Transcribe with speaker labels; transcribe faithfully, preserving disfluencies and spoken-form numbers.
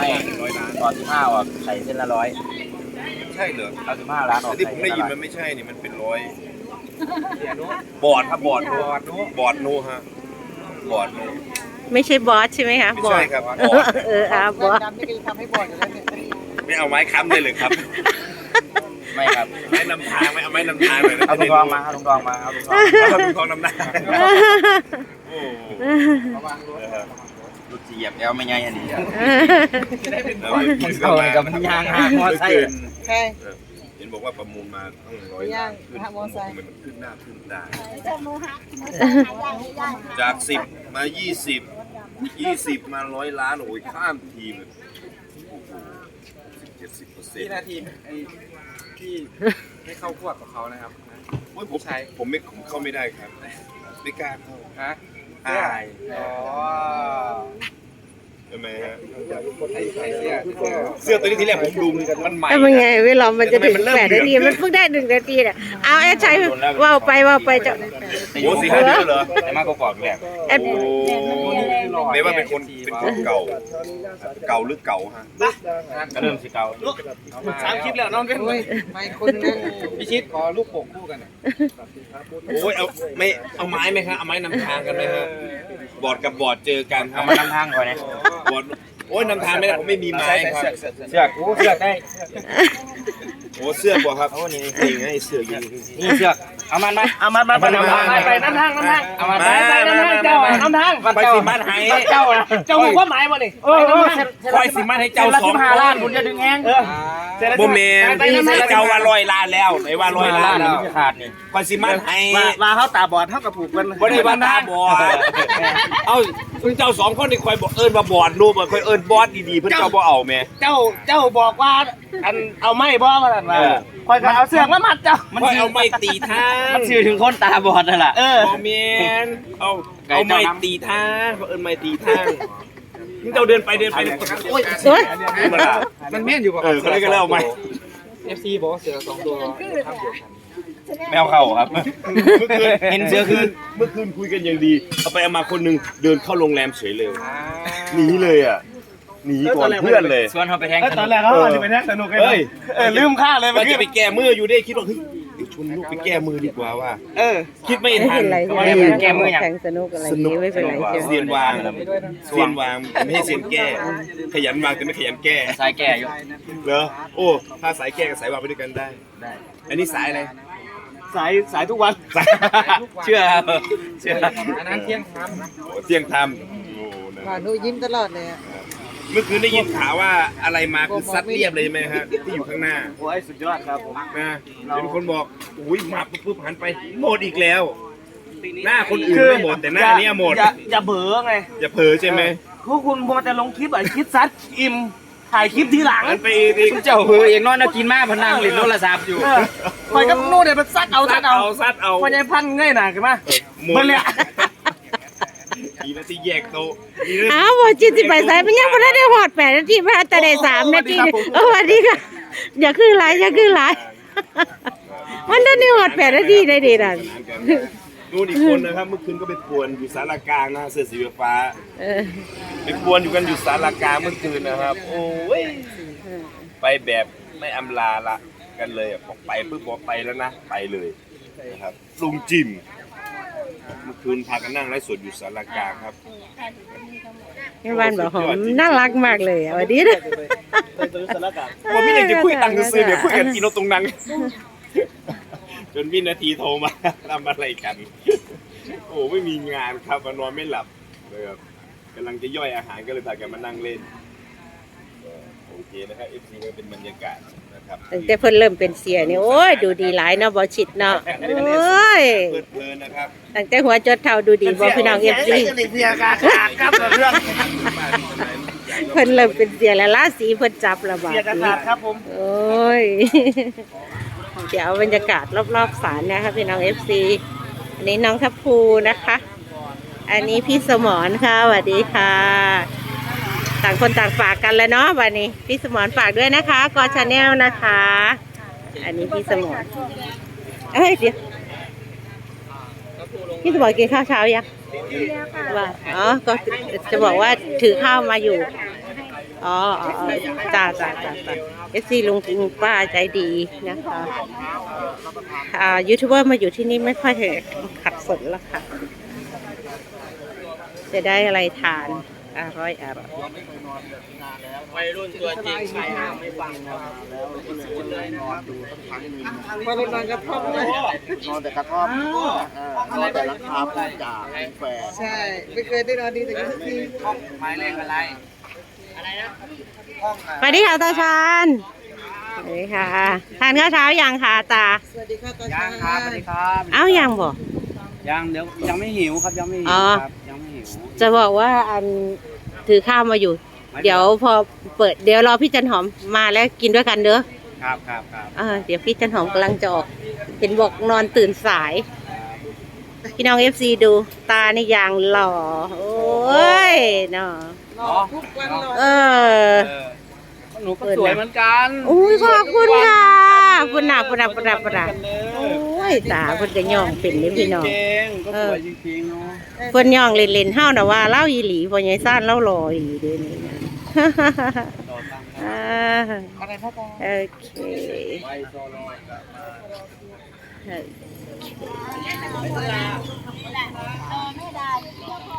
Speaker 1: ไม่ร้อยล้านตอนสิบห้าอ่ะไข่เส้นละร้อย
Speaker 2: ใช่เหรอ
Speaker 1: เอาสิบห้าล้านออก
Speaker 2: ที่ผมได้ยินมันไม่ใช่นี่มันเป็นร้อยบอดครับบอดบอดบอดโนฮะบอดโน
Speaker 3: ไม่ใช่บอสใช่ไหมคะ
Speaker 2: ไม่ใช่ครับบอด
Speaker 3: เอออาบอส
Speaker 2: ไม่เอาไม้ค้ำได้เลยครับ
Speaker 1: ไม่ครับ
Speaker 2: ไม้นำทางไม่เอาไม้นำทางเลย
Speaker 1: เอาถุงทองมาเอาถุงทองมาเอาถุงทอง
Speaker 2: เอาถุงทองนำหน้าโอ้
Speaker 1: ดูจีบแล้วไม่ง่ายอันนี้
Speaker 2: เอา
Speaker 1: เลยกับมันยางหางมอไซค์
Speaker 2: ใช่เห็นบอกว่าประมูลมาตั้งร้อยล้านขึ้นมันขึ้นหน้าขึ้นตาจากสิบมายี่สิบยี่สิบมาร้อยล้านโอ้ยข้ามทีมเจ็ดสิบเปอร์เซ็นต์
Speaker 4: ที่นาทีไอ้ที่ไม่เข้าควบกับเขานะครับ
Speaker 2: ผมใช้ผมไม่ผมเข้าไม่ได้ครับไม่กล้าเข้า
Speaker 4: ฮะ
Speaker 2: อาย
Speaker 4: อ๋อ
Speaker 2: ทำไมฮะเสื้อตัวนี้ทีแรกผมดูมันใหม่
Speaker 3: เป็นไงเวลามันจะถึงแปดนาทีมันเพิ่งได้หนึ่งนาทีเนี่ยเอาแอดใช้ว่าวไปว่าวไปจะ
Speaker 2: โอ้สี่ห้าเดือนเหรอ
Speaker 1: ไอ้มากกว่าแหละ
Speaker 3: แอด
Speaker 2: ไม่ว่าเป็นคนเป็นคนเก่าเก่าหรือเก่าฮะ
Speaker 1: ก็เริ่มสิเก่า
Speaker 4: สามคลิปแล้วน้องกันไม่คนนึงพิชิตขอลูกโป่งคู่กัน
Speaker 2: โอ้ยเอาไม่เอาไม้ไหมครับเอาไม้นำทางกันไหมฮะบอร์ดกับบอร์ดเจอกัน
Speaker 1: เอามานำทางก่อนนะ
Speaker 2: บอร์ดโอ้ยนำทางไม่ได้ผมไม่มีไม้ครับ
Speaker 1: เสือกเสือกได้
Speaker 2: โอ้เสื้อบ่ครับโอ้นี่นี่ไงเสื้อยืน
Speaker 1: นี่เสือกเอามันไหม
Speaker 4: เอามันมาไปนำทางไปนำทางนำทางเอามันไปไปนำทางเจ้านำทาง
Speaker 2: ไปสิมันให้
Speaker 4: เจ้าเจ้าความหมายบ่นี่
Speaker 2: เออคอยสิมันให้เจ้าสอง
Speaker 1: ห้าล้านคุณจะดึงแงง
Speaker 2: โมเมนต์เจ้าว่าร้อยล้านแล้วไอ้ว่าร้อยล้านแล้ว
Speaker 1: ขาดนี่
Speaker 2: คอยสิมันให้
Speaker 4: มาเขาตาบอดเท่ากับผูกกัน
Speaker 2: บ่ได้ว่าตาบอดเอาเจ้าสองคนนี่คอยบอกเอิญมาบอดรูปคอยเอิญบอสดีๆเพื่อนเจ้าบ่เอาแม่
Speaker 4: เจ้าเจ้าบอกว่าอันเอาไม้บ่มาสั่นมาคอยเอาเสือกมามัดเจ้า
Speaker 2: มันเอาไม้ตีทาง
Speaker 1: มันสื่อถึงคนตาบอดนั่นแหละ
Speaker 2: เออโมเมนต์เอาเอาไม้ตีทางเขาเอิญไม้ตีทางมึงเจ้าเดินไปเดินไปโอ้ย
Speaker 4: มันแม่นอยู่ป่ะ
Speaker 2: เออเขาเลยก็เล่าไม้
Speaker 4: เอฟ ซี บอกว่าเสือสองตัวข้ามเดียวกัน
Speaker 1: แมวเข้าครับ
Speaker 2: เมื่อคืนเห็นเสือคืนเมื่อคืนคุยกันอย่างดีเอาไปเอามาคนนึงเดินเข้าโรงแรมเฉยเลยหนีเลยอ่ะหนีก่อนเพื่อนเลย
Speaker 1: ชวนเขาไปแทง
Speaker 4: ตอนแรกเขาจะไปแทงสนุกเลยเออลืมค่าเลย
Speaker 2: มันจะไปแก้มืออยู่ได้คิดว่าเฮ้ยชวนลูกไปแก้มือดีกว่าว่า
Speaker 4: เออ
Speaker 2: คิดไม่ทัน
Speaker 3: แก้มืออย่างสนุกอะไรนี้ไม่เป็นไร
Speaker 2: เซียนวางเซียนวางไม่ให้เซียนแก้ขยันวางแต่ไม่ขยันแก้
Speaker 1: สายแก้อยู่
Speaker 2: เหรอโอ้ถ้าสายแก้กับสายวางไปด้วยกันได้ได้อันนี้สายอะไร
Speaker 4: สายสายทุกวัน
Speaker 1: เชื่อเชื่อ
Speaker 4: อันนั้นเที่ยงท
Speaker 2: ำเที่ยงท
Speaker 3: ำว่าหนูยิ้มตลอดเลย
Speaker 2: เมื่อคืนได้ยินข่าวว่าอะไรมาคือซัดเรียบเลยไหมฮะที่อยู่ข้างหน้า
Speaker 4: โอ้ยสุดยอดครับผม
Speaker 2: นะเป็นคนบอกอุ้ยมาปุ๊บหันไปหมดอีกแล้วหน้าคนอื่นไม่หมดแต่หน้านี้หมด
Speaker 4: อย่าเบื่อไง
Speaker 2: อย่าเผลอใช่ไหม
Speaker 4: พวกคุณพอจะลงคลิปอะไรคลิปซัดอิ่มถ่ายคลิปทีหลัง
Speaker 2: ไปอีก
Speaker 1: เจ้าเหือเองนอนกินมากพนังหลินโทรศัพท์อยู่
Speaker 4: คอยกับนู่นเนี่ยมันซัดเอาซัดเอา
Speaker 2: ซัดเอา
Speaker 4: พอใจพันง่ายหนาขึ้นมา
Speaker 2: หมดเลยอีนาทีแยกโต
Speaker 3: อ้าวบอกจิตสิไปใส่มันยังไม่ได้หอดแปดนาทีมาแต่ได้สามนาทีเออวันนี้ค่ะอย่าขึ้นไลน์อย่าขึ้นไลน์มันได้หอดแปดนาทีได้ดีนั่น
Speaker 2: นู่นอีกคนนะครับเมื่อคืนก็ไปป่วนอยู่ศาลากลางนะเสื้อสีฟ้าไปป่วนอยู่กันอยู่ศาลากลางเมื่อคืนนะครับโอ้ยไปแบบไม่อำลาละกันเลยบอกไปปุ๊บบอกไปแล้วนะไปเลยนะครับลุงจิมเมื่อคืนพากันนั่งไลฟ์สดอยู่ศาลากลางครับ
Speaker 3: แม่บ้านบอกหอมน่ารักมากเลยวันนี้นะ
Speaker 2: ว่าพี่อยากจะคุยตังค์ซื้อเดี๋ยวคุยกันกินรถตรงนั้นจนวินาทีโทรมาทำอะไรกันโอ้ไม่มีงานครับมานอนไม่หลับเลยครับกำลังจะย่อยอาหารก็เลยพากันมานั่งเล่นโอเคนะครับ เอฟ ซี ก็เป็นบรรยากาศนะครับ
Speaker 3: ตั้งแต่เพิ่นเริ่มเป็นเสียนี่โอ้ยดูดีหลายเนาะบ่ชิดเนาะโอ้ย
Speaker 2: เพลินนะครับ
Speaker 3: ตั้งแต่หัวจดเท้าดูดีบ่พี่น้อง เอฟ ซี
Speaker 4: เสียกาขาดครับเรื่อง
Speaker 3: เพิ่นเริ่มเป็นเสียแล้วราศีเพิ่นจับแล้วบ่
Speaker 4: เสียกาขาดครับผม
Speaker 3: โอ้ยเดี๋ยวบรรยากาศรอบๆศาลนะคะพี่น้อง เอฟ ซี อันนี้น้องทัพภูนะคะอันนี้พี่สมรค่ะสวัสดีค่ะต่างคนต่างฝากกันแล้วเนาะวันนี้พี่สมรฝากด้วยนะคะกอชาแนลนะคะอันนี้พี่สมรเอ้ยเดี๋ยวพี่สมรกินข้าวเช้ายังว่าอ๋อก็จะบอกว่าถือข้าวมาอยู่อ๋ออ๋ออ๋อจ้าจ้าจ้าจ้าเอฟซีลุงลุงป้าใจดีนะคะอ่ายูทูบเบอร์มาอยู่ที่นี่ไม่ค่อยขัดสนแล้วค่ะ จะได้อะไรทานอร่อยอร่อย
Speaker 4: วัยรุ่นตัวจริงใครห้ามไม่ฟังครับแล้วก็เลยนอนดูสักพักหนึ่งพอนอนกระท่อมเลยนอนแต่กระท่อมนอนแต่ราคาปูจ่าแฝงใช่ไม่เคยได้นอนดีแต่ทุกทีห้องหมายเลขอะไรอะไรนะห้อง
Speaker 3: สวัสดีค่ะตาชานสวัสดีค่ะทานข้าวเช้ายังคะตา
Speaker 4: สวัสดีค่ะตาชานครับสวัสดีครับ
Speaker 3: เอ้ายังบ่
Speaker 1: ยังเดี๋ยวยังไม่หิวครับยังไม่หิ
Speaker 3: อ๋
Speaker 1: ว
Speaker 3: อ
Speaker 1: ครับยังไม่หิว
Speaker 3: จะบอกว่าอันถือข้าวมาอยู่ เดี๋ยวพอเปิดเดี๋ยวรอพี่จันหอมมาแล้วกินด้วยกันเด้อ
Speaker 1: ครับครับครับ
Speaker 3: เออเดี๋ยวพี่จันหอมกำลังจะออกเห็นบอกนอนตื่นสาย พี่น้องเอฟซีดูตาในยางหล่อโอ้ยเนาะ
Speaker 4: รอทุกวันรอ
Speaker 3: เออ
Speaker 1: หนูก็สวยเหมือนกัน
Speaker 3: อุ้ยขอบคุณค่ะปุ่นหนาปุ่นหนาปุ่นหนาปุ่นหนาโอ้ยตาเพุ่นจะย่องเป็นนี่พี่น้อง
Speaker 1: จริงๆก็สวยจริงๆเนาะ
Speaker 3: เพิ่นย่องเล่นๆเฮาน่ะว่าเล่าอีหลีพ่อใหญ่ซ่านเล่ารออีหลีเด้นี่นะ อ่า
Speaker 4: อะไรพ่อปอ
Speaker 3: โอเคโอเค